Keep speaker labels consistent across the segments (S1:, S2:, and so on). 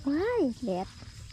S1: ว้ายแดด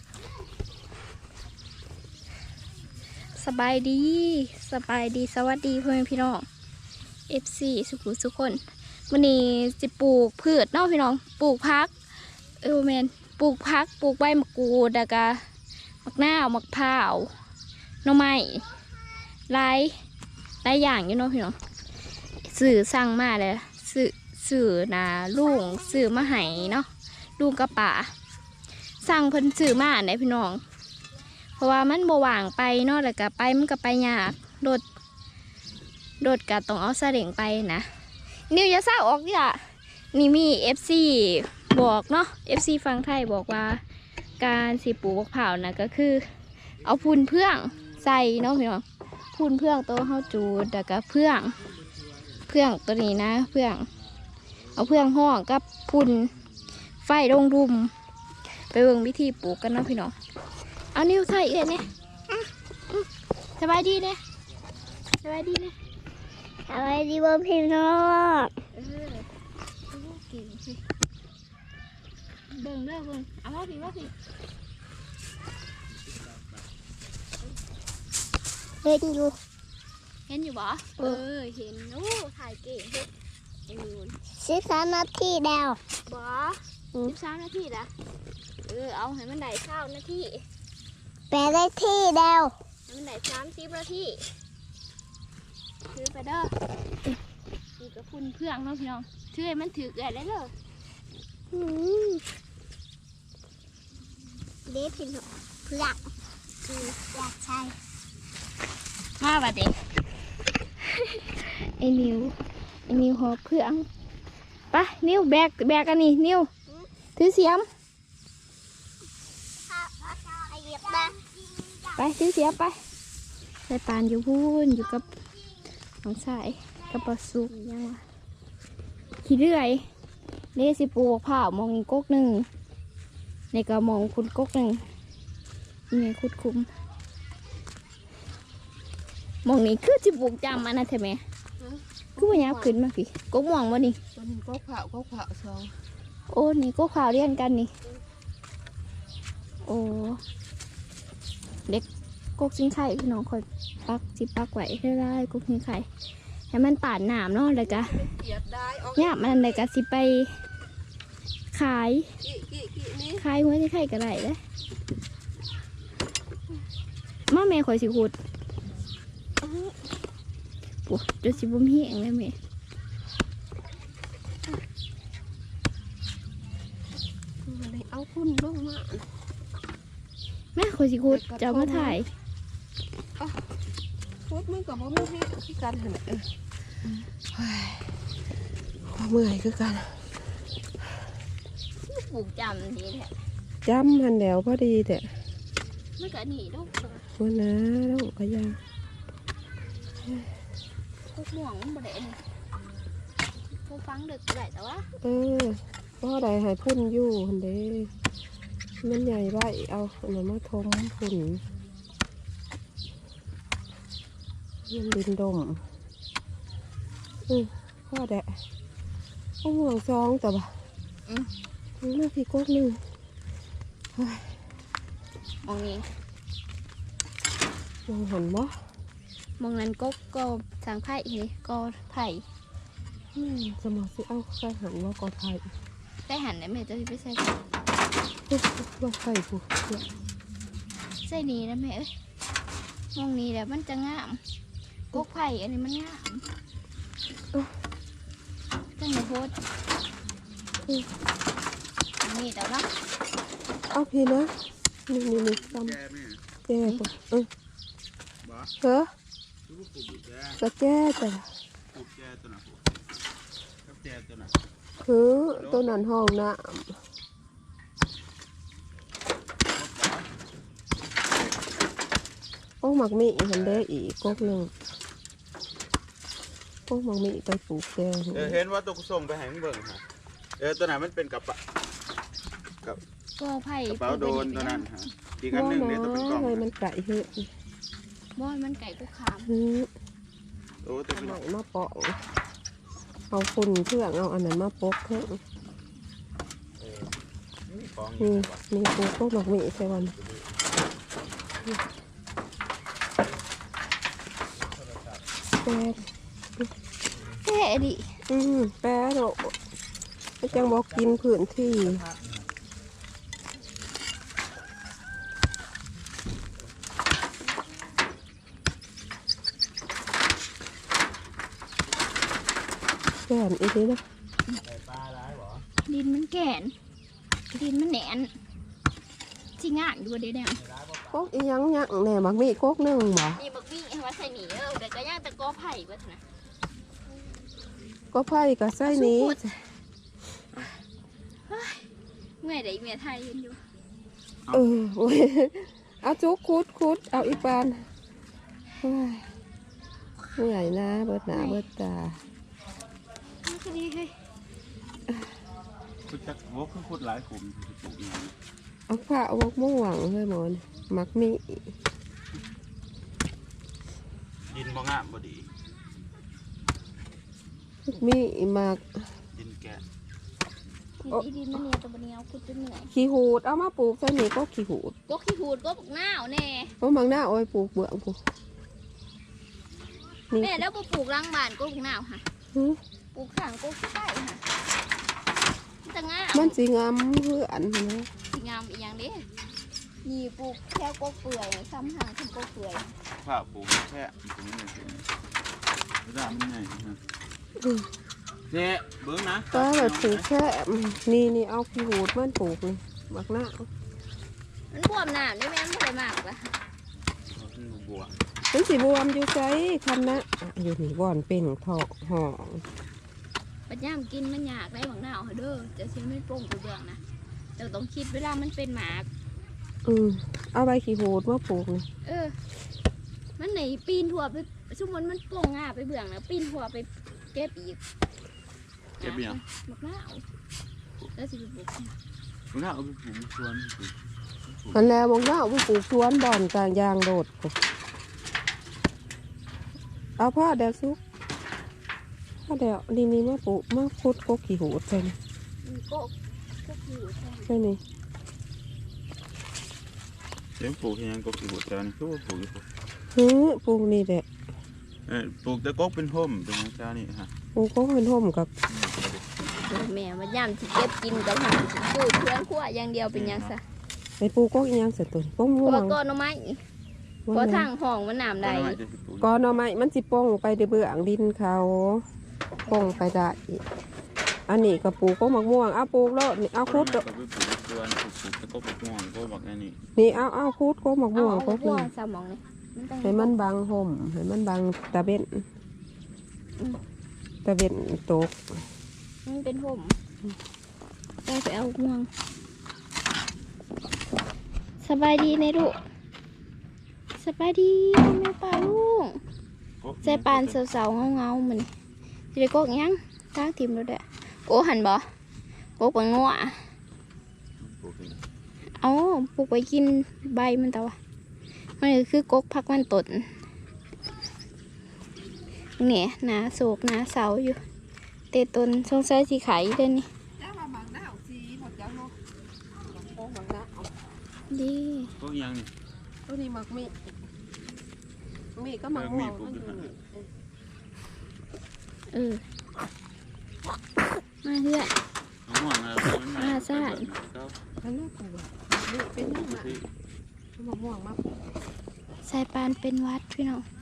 S1: สบายดีสวัสดีเพื่อนพี่น้อง FC สุขุสุขคนวันนี้จะปลูกพืชเนาะพี่น้องปลูกพักแมนปลูกพักปลูกใบมะกรูดแล้วก็มักนาวมักพร้าวหน่อไม้หลายอย่างอยู่เนาะพี่น้องสื่อสั่งมาเลยสื่อนะลุงสื่อมาให้เนาะลุงกับป่าสั่งเพิ่นสื่อมาไหนพี่น้องเพราะว่ามันบ่ว่างไปเนาะแล้วก็ไปมันก็ไปยากโดดก็ต้องเอาซาเล้งไปนะนิวอย่าซ่าออกดิล่ะนี่มี FC บอกเนาะ FC ฟังไทยบอกว่าการสิปลูกมะพร้าวนะก็คือเอาพูนเพื่องใส่เนาะพี่น้องพูนเพื่องตัวเฮาจูดแล้วก็เพื่องตัวนี้นะเพื่องเอาเพื่องห้องกับพูนไฟลงรุมไปเบิ่งวิธีปลูกกันเนาะพี่น้องเอานิ้วใส่เอ็ดเนี่ยสบายดีเนี่ยสบายดีเนี่ย
S2: สวัสดีพ่อพี่น้อง
S1: เก่งสิเบิ่งเด้อเบิ่งเอาว่าพี่
S2: เห็นอยู่
S1: บ่เห็นโอ้ถ่ายเก่งเฮ็ดไอ้นูน
S2: 13 นาทีแล้ว
S1: บ่13 นาทีละเอาให้มันได้9 นาที
S2: 8 นาทีแล้ว
S1: ให้มันได้30 นาทีถือไปเด้อนี่ก็พุ่นเพื่องเนาะพี่น้องถือให้มันถือเกลือได้เลย
S2: เด็กพี่น้องเพื่อนอยากใช่
S1: มาบัดเด็กไอ้นิวหอบเพื่องไปนิวแบกกันนี่นิวถือเสียมไปถือเสียมไปใส่ปานอยู่พูนอยู่กับน้องสายกับปลาสุกยังวะขี้เรื่อยนี่สิปลูกผ้ามองอีกก๊กหนึ่งในกระมองคุณก๊กหนึ่งนี่คุดคุ้มมองนี้คือสิปลูกจำมันนะเธอแม่คือว่ายับขึ้นมาพี่ก๊กมองวะนี่
S3: ตัวนี้ก๊กเผาสอง
S1: โอ้นี่ก๊กขาวเรียนกันนี่โอ้เด็กก๊กชิ้นไข่พี่น้องคอยปักไว้ได้ก๊กชิ้นไข่ให้มันป่านหนามเนาะเลยกะเนี่ยมันเลยกะสิไปขายหัวที่ไข่กระไรเลยมาแม่ข่อยสิขุดปุ๊บจะสิบุ้มเหี้ยงเลยแม่
S3: เอาพุ่นลงมา
S1: แม่ข่อยสิขุดจะมาถ่าย
S3: พุดมันกับบ่มีให้ที่กันหันเมื่อยคือกัน
S1: ปลูกจำดีแหละ
S3: จำหันแล้วพอดีแต่
S1: ไม่กะหนีลูก
S3: วันนะลูกก็ยัง
S1: พวกม่วงมันบ่ได้นี่พวกฟังดึกได้แต่ว่า
S3: พ่อใดให้พุ่นอยู่หันเด้มันใหญ่ไว้เอาหน่อมาทมพุ่นมันดินดมพ่อแดะเอาห่วงซองแต่บ่มันมาพี่ก๊กหนึ่ง
S1: มองนี้
S3: มองหันบ่
S1: มองนั้นก็ทางไผ่นี่ก็ไผ่
S3: สมองสิเอาใส่หันว่าก็ไผ่
S1: ได้หันได้ไหมจะไปใส่
S3: ว่าไผ่ผู้
S1: ใส่นี้นะแม่เอ้ยมองนี้แล้วมันจะงามก๊กไผ่อันนี้มันงามจังเลยโพดนี่แต่ว่า
S3: เอาพี่นะนี่จำแก่ปุ๊บเหรอกระแก่แต่คือตัวนั้นห้องนะโอ้หมักมีเห็นได้อีกก๊กหนึ่งโอ้หมักมีไปปลูกแกง
S4: เห็นว่าตัวกุศลไปแหงเบิ่งฮะตัวไหนมันเป็นกับ
S1: ก็ไผ่
S4: กระเป๋าโดนตัวนั้นฮะอีกอันหนึ่งเนี่ยตัวเป็นกล่อง
S3: เลยมันไก่เหื่อย
S1: บ่อยมันไก่กุขาม
S4: โอ้ตัวเป็น
S3: ไหนมาเปาะเอาฝุ่นเครื่องเอาอันนั้นมาปกเครื่อง
S4: มีของ
S3: นี่มีปลูกพวกหมักหมี่ใช่วัน แปะ
S1: แค่ดิ
S3: แปะโดดไม่จังบอกกินพื้นที่แก่นอีกทีนะ
S4: ปลาร้ายหรอ
S1: ดินมันแก่นดินมันแหนนสิงานดูเด้เนี่ย
S3: โคกอีหยังยังแหน่หมักหมี่โคกหนึ่งบ่
S1: นี่บักมี่เอามาใส่หนีแต่ก็ย่างตะกอไผ่ก็เถอะนะ
S3: ก็ไผ่กับไส้นี้
S1: เมื่อยได้เมียไทยยืนอยู่
S3: โอ้ยเอาจุกคุดเอาอีปานเฮ้ยเหนื่อยนะเบิดหนาเบิดตา
S1: มันก็ดีเฮ้ย
S4: คุดจักโว้คือคุดหลายขุมปลูกอย่าง
S3: เอาผ้าเอาวกม่วงเลยหมอนหมักหมี่
S4: ดินบ่งามบ่ดี
S3: มีหมัก
S4: ดินแกะ
S1: อีดินมันเหนียวตัวเหนียวคุดจนเหนื่อย
S3: ขี้หูดเอามาปลูกใส่นี่ก็ขี้หูด
S1: ก็ขี้หูดก็ปลูกหน้าวแน่
S3: เพราะบางหน้าเอาไปปลูกเบื้องกูนี่
S1: แม่แล้วปลูกรังบานก็ปลูกหน้าวค่ะ
S3: หึ
S1: ปลูกข้างก็ขี้ไก่ค่ะมันจะงาม
S3: มันสีงามเพื่อนนะ
S1: สีงามอีกอย่างเด้นี่ปลูกแค่ก็เปื่อยซ้ำหางทำก็เปื่อย
S4: ผ้าปลูกแค่ตรงนี้เป็นระดับมันไงนะเนี่ยเบิ้งนะ
S3: ก็แบบปลูกแค่นี่เอาขี้หูดมันปลูกนี่หมักหน้า
S1: มันบวมหนามได้ไหมมันไม่ได้มากละ
S4: บัว
S3: มันสีบวมอยู่ใจคันนะอยู่นี่บ่อนเป็นทอกห่อง
S1: ปัญญามกินมันอยากได้บางหนาวเด้อจะเชื่อไม่โป่งกูเบื่องนะแต่ต้องคิดเวลามันเป็นหมาก
S3: เอาใบขี้หูดมาปลูกนี่
S1: มันไหนปีนหัวไปชั่วโมงมันโป่งง่าไปเบื่องนะปีนหัวไปเก็บอีก
S4: เก็บยัง
S1: บักหนาวแล้วสิไปปลูก
S4: บังหน้าเอาไปปลูกสวน
S3: มันแล้วบางหน้าเอาไปปลูกสวนบ่อนกลางยางโดดกูเอาผ้าแดดซุกผ้าแดดนี่มาปลูกมาพุดกกขี้หูดใช่ไหม
S1: ก็คือใช่
S3: ใช่ไหม
S4: เดี๋ยวปลูกยังก็ปลูกแต่นี่คือว่าปลูก
S3: ปลูกนี่แหละ
S4: ปลูกแต่ก็เป็นห่มตรงนี้จ้านี่ฮะ
S3: ปลูกก็เป็นห่มกับ
S1: แม่มันย่ำที่เก็บกินกับหางสูตรเพื่อนขั้วอย่างเดียวเป็นยังซะ
S3: ไปปลูกก็อีหยังเสร็จตัวก็
S1: เพ
S3: ม่ว
S1: ราะว่าง ก้อนหน่อไม้เพราะทางห้องมันน้ำใด
S3: ก้อนเอาไม้มันสิป้องไปในเบื้องดินเขาป้องไปได้อันนี้ก็ปลูกก็มะม่วงเอาปลูกแล้วนี่เอาคุด
S4: ปลูกสวนปลูกแต่ก็ปลูกม่วงก็แบบนี้
S3: นี่เอาคุดก็มะม่วงก็
S1: บั
S3: คือ
S1: วสมองเลย
S3: ให้มันบังห่มให้มันบังตะเบ็นตะเบ็นตก
S1: มันเป็นห่มไปเอาม่วงสบายดีในลูกสบายดีแม่ป่าลูกใจปานเสาๆเงาๆมันจะได้กกยังตั้งทีมแล้วเด้อโอ้หันบ่กกปังงัวเอาปลูกไปกินใบมันแต่ว่ามันคือกกพักมันตนเนี่ยหนาโศกหนาเสาอยู่เตะตนสงสัยสีไข่เด้อนี่ดี
S4: ก็ยังนี่
S3: ตัวนี้มักมีก็มักม่วงมันอยู่นี่
S1: มาเพื่อ
S4: ม่วงอะไร
S3: อันนั้นปลูกนี่เป็นยังไงมะม่วงมาก
S1: สายปานเป็นวัดพี่น้อง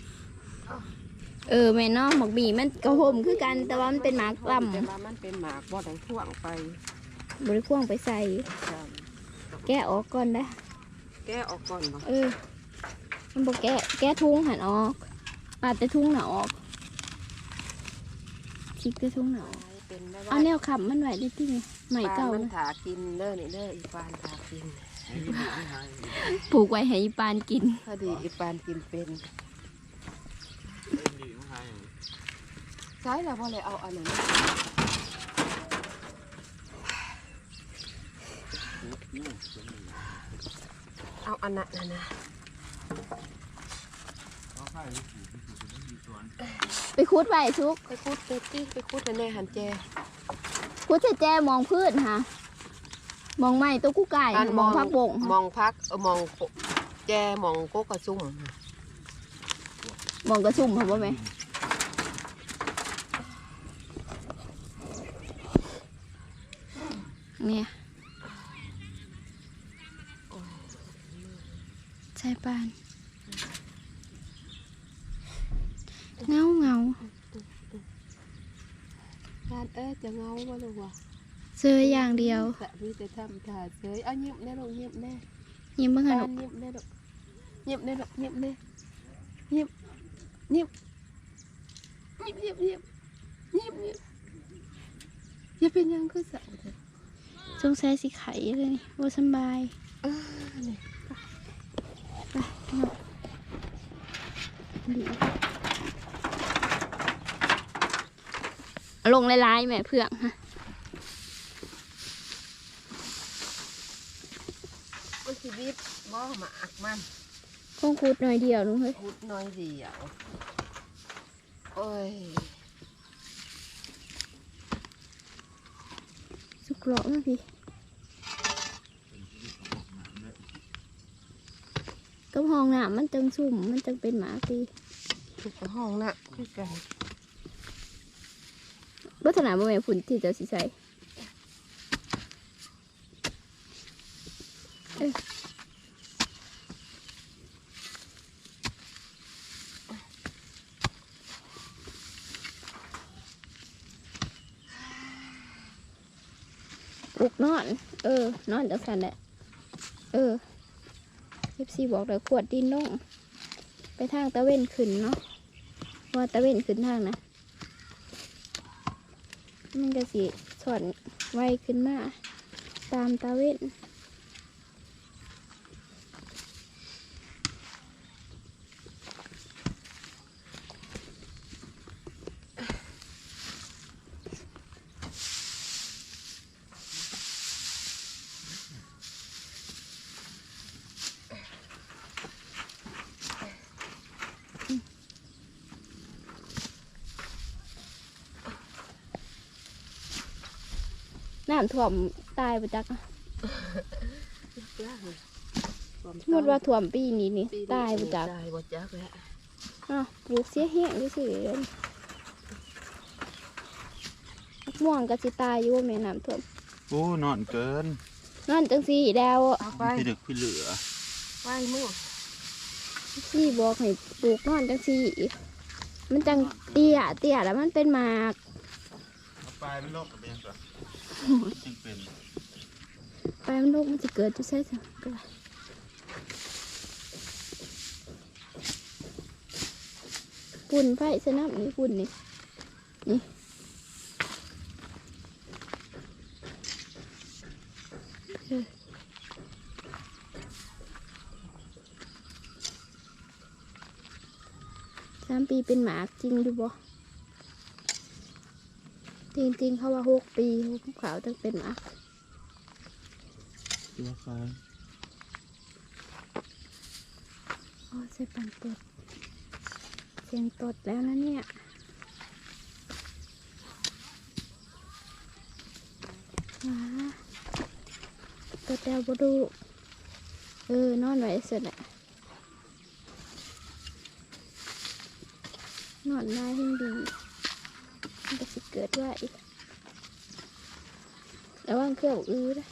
S1: แม่น้องหมกบีมันกระหมคือกันแต่ว่ามันเป็นหมากลำ
S3: แต่ว่ามันเป็นหมากบ่ได้ท่วงไป
S1: บริพ่วงไปใส่ แกะออกก่อนนะ
S3: แก้ออกก่อนบ่
S1: มันบอกแกะทุ่งหันออกปาดแต่ทุ่งหนาออกชิกแต่ทุ่งหนาออก
S3: เป็นได้
S1: เอาแนวขับมันไหวได้ที่ใหม่เก่า
S3: มันถากินเด้อนี่เด้ออีปานถากิน
S1: ปลูกไว้ให้อีปานกิน
S3: พอดีอีปานกินเป็นใช่แล้วพอเลยเอาอันนั้นเอาอันนั้นนะ
S1: ไปคุดไว้ทุก
S3: ไปคุดไปตี้ไปคุดในหันแจ
S1: คุดแจมองพืชฮะมองไม่ตัวกู้ไก่มองพักบง
S3: มองพักมองแจมองโกกระซุ่ม
S1: มองกระชุ่มเหรอบ่แม่เนี่ยใช่ปานเงา
S3: การจะเงาบ่ลูกวะ
S1: เจออย่างเดียว
S3: มีแต่ทำถ่าเฉยเงียบแน่ลูกเงียบแน่
S1: ยิ้มบ้าง
S3: กา
S1: ค่ะ
S3: รเงียบแน่ลูกเงียบแน่ลูกเงียบแน่เงียบเงียบเงียบเงียบเงียบเงียบอย่าเป็นยังคือสาวเถอะ
S1: สงสัยสิไข่เลยว่าสบาย
S3: นี่
S1: ไปเนาะดีเอาลงลายๆแม่เพื่องฮะ
S3: มันชีวิตบ่หมากมัน
S1: คงคูดหน่อยเดียวนุ้งเฮ้ย
S3: พูดน้อยเดียวโอ้ย
S1: สุกหลอกนะพี่ก็ห้องน้ำมันจังสุ่มมันจังเป็นหมาตี
S3: ทุกห้องน่ะคือกัน
S1: ลักษณะบ่แม่นผุนที่เจะสิใส่ปลุกนอน นอนจังสันแหละFC บอกเลยขวดดินลงไปทางตะเว้นขึ้นเนาะว่าตะเว้นขึ้นทางนะมันก็สิสอนไวขึ้นมาตามตะเว้นน้ำท่วมตายไปจักอะสมมติว่าท่วมปีนี้นี่ตายไปจัก
S3: ตายบ่จักแล้ว
S1: อ้าวปลูกเสียแห้งด้วยสิมะม่วงก็สิตายอยู่ว่าแม่น้ำท่วม
S4: โอ้นอนเกิน
S1: นั่นจังสีดาวอะ
S3: เอาไป
S4: พี่ดึกพี่เหลือ
S3: ไปมึง
S1: สี่บอกให้ปลูกนอนจังสีมันจังเตี้ยแล้วมันเป็นหมาก
S4: เอาไปไม่โลกกับเป็นสักจริงเป็น
S1: ไปมันลูกมันจะเกิดจะใช่สิก็ได้ปุ่นไฟสนับนี่ปุ่นนี่3 ปีเป็นหมากจริงดูบ่จริงๆเขาว่า6 ปีขาวต้องเป็นหมาก
S4: ตัวคาย
S1: อ๋อใส่ปันตดเสียงตดแล้วนะเนี่ยว้าตดแล้วบ่ดูนอนไว้เสร็จแหละนอนได้ยิ่งดีมันจะสิเกิดว่าอีกแล้วว่างเครื่องอื้อนะ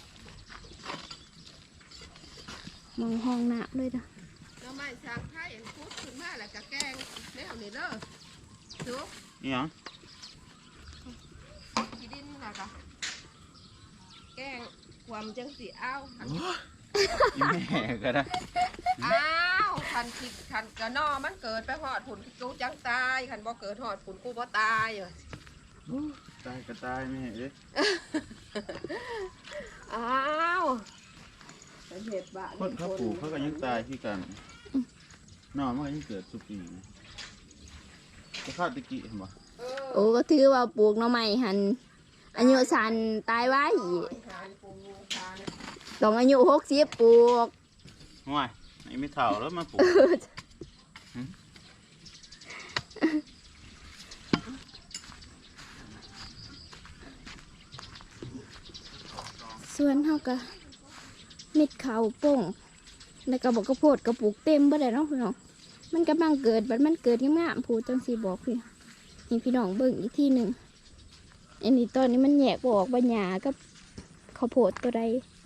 S1: มองห้องน้ำเลยนะ
S3: แล้วไม่สร้างไผ่พูดขึ้นมาแล้วก็แกงแล้วนี่เด้อจุ๊บ
S4: นี่หยัง
S3: ขี้ดินน่ะก็แกงความจังสิเอา
S4: อีแม่ก็ได้
S3: อ้าวคันคิดคันกะนอมันเกิดไปหอดผุนกูจังตายคันบ่เกิดหอดผุนกูบ่ตายเอ้ย
S4: ตายก็ตายแม่เอ้ย
S3: อ้าวเห็ดบ้า
S4: คนเขาปลูกเขาก็ยังตายที่กันนอนมันก็ยังเกิดสุปีจะเข้าตะกี้เห็นบ่
S1: โอ้ก็ถือว่าปลูกหน่อไม้หันอายุสันตายไว้ต้องอายุ60ปลูก
S4: ห่วยไอ้ไม่เท่าแล้วมาปลูก
S1: ส่วนเฮาก็เม็ดข้าวโป่งแล้วก็บอกกระโพดกระปุกเต็มบ่ได้เนาะพี่น้องมันกำลังเกิดบัดมันเกิดงามๆพูดจังสิบอกพี่นี่พี่น้องเบิ่งอีกทีหนึ่งอันนี้ตอนนี้มันแยกบ่ออกว่าหญ้ากับข้าวโพดตัวใด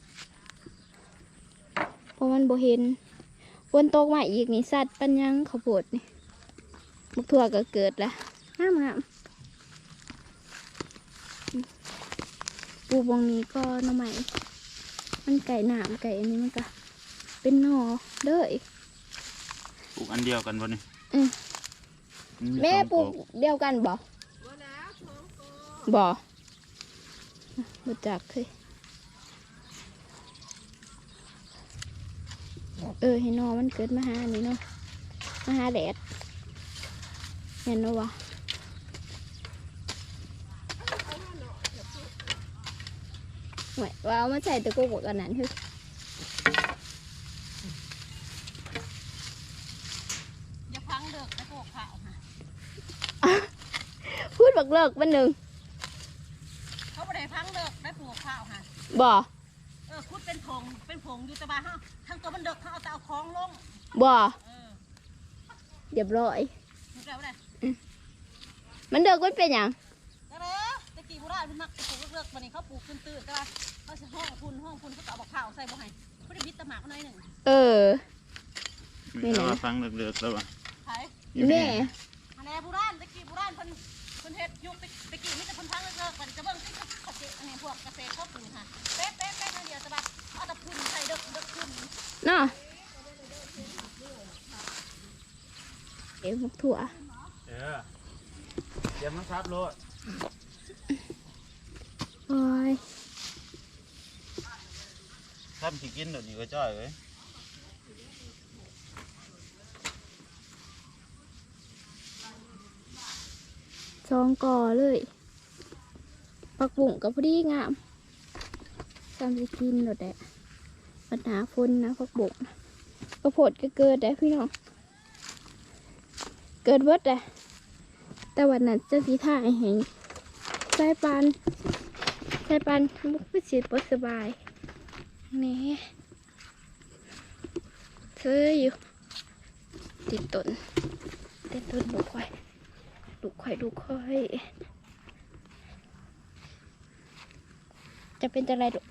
S1: เพราะมันบ่เห็นฝนตกมาอีกนี่สัตว์ปัญญังข้าวโพดนี่มักทั่วก็เกิดละงามๆปูบงนี้ก็หน่อไม้มันไก่หนามไก่อันนี้มันก็เป็นหน่อเด้อ
S4: ปลูกอันเดียวกันบ่นี่
S1: แม่ปลูกเดียวกันบ่บ่จักเลยให้นอมันเกิดมาหานี่เนาะมาหาแดดเห็นเนาะวะว่าเอามาใส่ตะกุกกันนั้นคือ
S3: อย่าพังเลิกแล้วพวกข้าวค่ะ
S1: พูดบักเลิกวันหนึ่ง
S3: เขาไม่ได้พังเลิกได้ปลูกข้าวค่ะ
S1: บ่
S3: คุดเป็นผงอยู่แต่ว่าเฮาทั้งตัวมันเลิกเขาเอาแต่เอาคล้องลง
S1: บ่เรียบร้อย
S3: ถูกแล้วได้
S1: มันเลิกมันเป็นหยัง
S3: ก็เลยตะกี้โบราณเพิ่นมักปลูกเลิกๆบัดนี้เขาปลูกตื้นๆแต่ว่าเขาสิห้องคุณเขาก็เอาบักข้าวใส่บ่ให้เขาได้บิดตะหมากมาหน่อยหนึง
S4: มีแต่ว่าฟังเลิกๆแล้วว่ะ
S3: ไผ
S1: แม่
S3: อันนี้โบราณตะกี้โบราณเพิ่นเฮ็ดยุคตะกี้มีแต่เพิ่นพังเลิกๆบัดนี้จะเบิ่งที่เกษตรอันนี้พวกเกษตรเขาปลูกค่ะเป๊ะๆๆเดียวแต่ว่าเอาแต่พุ่นใส่เลิกขึ้น
S1: เนาะพวกถั่ว
S4: เดี๋ยวมันครับโลด
S1: โอ้ย
S4: ถ้ามันสิกินเดี๋ยวนี้ก็จ้อยเว้ย
S1: ซองก่อเลยปักบุ่งกับพอดีงามจำจะกินหมดแหละปัญหาฝนนะปักบุ่งกระโพดก็เกิดได้พี่น้องเกิดเบิดเลยแต่วันนั้นเจ้าสีท่าให้สายปานมุกพิจิตรสบายนี่เธออยู่ติดต้นลูกควายจะเป็นจะไรลูก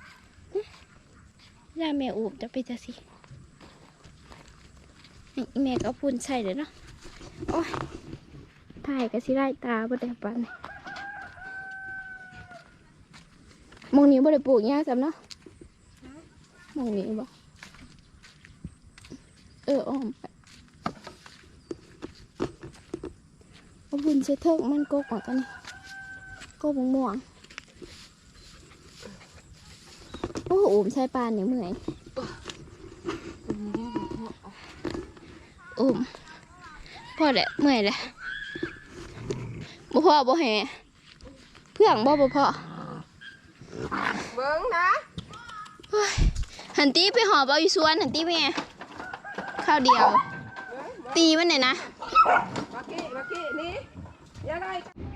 S1: ย่าแม่อูบจะเป็นจะสินี่แม่ก็พูนใช่เลยเนาะโอ้ยถ่ายกับสิไล่ตาบ่ได้ปันมองนี้บ่ได้ปลูกหญ้าซ้ำเนาะมองนี้บ่อ้อมไปเอาบุญใช้เถิกมันกกออกกันนี่กกม่วงโอ้โหใช้ปานเนี่ยเมื่อยพ่อแหละเมื่อยแหละบ่พ่อบ่แห่เพื่องบ่พ่อ
S3: เบิ่งนะ
S1: หันตีไปหอบเอาอยู่สวนหันตีไปไงข้าวเดียว ตีมันเนี่ยนะ
S3: มากี้นี่อย่าไล่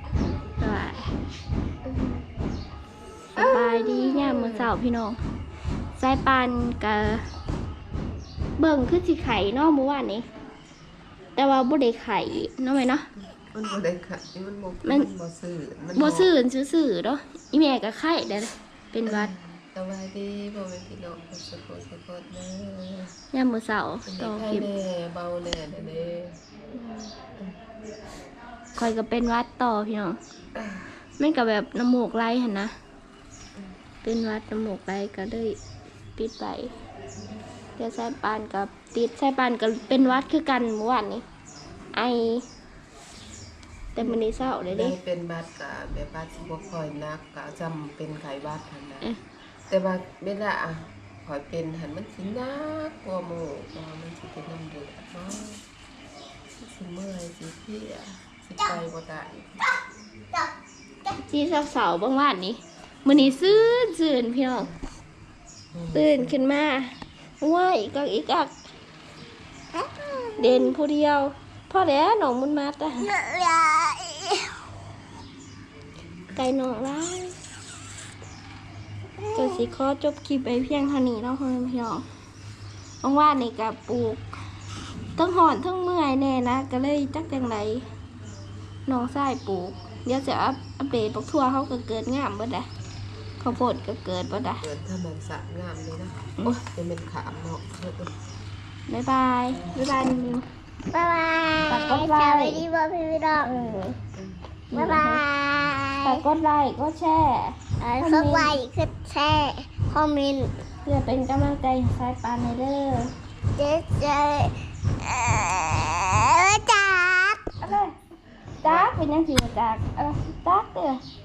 S1: สบายดีเนี่ยมื้อเช้าพี่น้องสายปานกับเบิ่งคือสิไข่เนาะเมื่อวานนี้แต่ว่าบ่ได้ไข่เนาะไหมเนาะ
S3: มันบ่ได้ค่ะมันบ่ซื่อมัน
S1: บ่ซื่อเนาะอีแม่ก็ไข่ได้เป็นหวัด
S3: สบายดีบ่แม่นพี่น้องสะกดเด้อ
S1: ยามมื้อเช้าต่อคลิป
S3: เบาแน่เด้อ
S1: คอยก็เป็นหวัดต่อพี่น้องมันก็แบบน้ำมูกไหลหั่นนะเป็นหวัดน้ำมูกไหลก็เลยปิดไปแต่สายปานกับติดสายปานก็เป็นหวัดคือกันเมื่อวานนี้ไอแต่มื้อนี้เช้าเลย
S3: ได้
S1: เด้
S3: เป็นบาดกะแบบบาดสิบ่ค่อยนักกะจำเป็นไข้บาดหั่นนะแต่ว่าเวลาข่อยเป็นหั่นมันสินักกว่าหมู่เพราะมันสิเป็นน้ำเดือดเนาะสิเมื่อยสิเพลียสิไปบ่ได้
S1: ที่เสาๆบางวันนี้มื้อนี้ซื่นพี่น้องตื่นขึ้นมาว้ายอีกเด่นผู้เดียวพ่อแล้วหนองมุนมาแต่ไก่หนองร้ายก็สิขอจบคลิปไปเพียงเท่านี้เนาะพ่อแม่พี่น้องว่างๆนี่ก็ปลูกทั้งหอนทั้งเมื่อยแน่นะก็เลยจักจังไดน้องชายปลูกเดี๋ยวจะอัปเดตปักทั่วเขาก็เกิดงามเบิดอะข้าวโพดก็เกิดเบิดอะ
S3: เกิดธรรมศาสตร์งามเลยนะโอ้ยจะเป็นขามเนาะ
S1: บ๊ายบายนิว
S2: บ๊ายบาย
S1: ฝากกดไล
S2: ส
S1: ค์
S2: วัสดีพ่อพี่น้องบ๊ายบาย
S1: ฝากกดไลค์กดแชร์
S2: กดไลค์กดแชร์คอมเมนต์
S1: เพื่อเป็นกำลังใจให้สายปานในเด้อ
S2: เจ๊จัก
S1: อะไรจักเป็นยังสิจักจักเด้อ